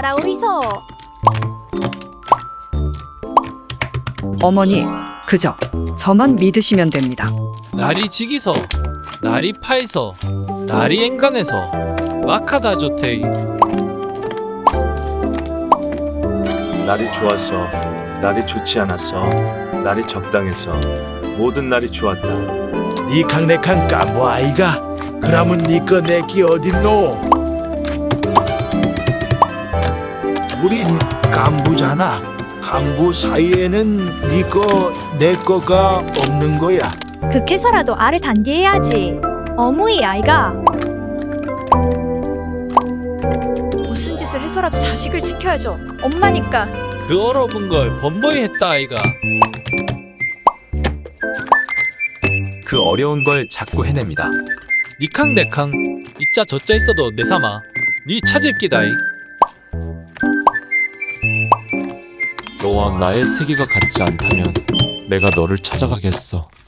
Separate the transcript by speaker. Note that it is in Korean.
Speaker 1: 따라오이소.
Speaker 2: 어머니, 그저 저만 믿으시면 됩니다.
Speaker 3: 날이 지기서, 날이 파이서, 날이 앵간해서 마카다 좋테이.
Speaker 4: 날이 좋았어. 날이 좋지 않았어. 날이 적당했어. 모든 날이 좋았다.
Speaker 5: 니캉네캉 깐부 아이가 그러면 니꺼 내끼 어딨노? 우린 깐부잖아. 깐부 사이에는 니꺼 내꺼가 없는 거야.
Speaker 1: 극해서라도 알을 단디해야지. 어무이 아이가. 무슨 짓을 해서라도 자식을 지켜야죠. 엄마니까.
Speaker 3: 그 얼어본 걸 번번이 했다 아이가.
Speaker 4: 그 어려운 걸 자꾸 해냅니다.
Speaker 3: 니캉 내캉 이자 저자 있어도 내 삼아 니 찾을 끼다이.
Speaker 6: 너와 나의 세계가 같지 않다면 내가 너를 찾아가겠어.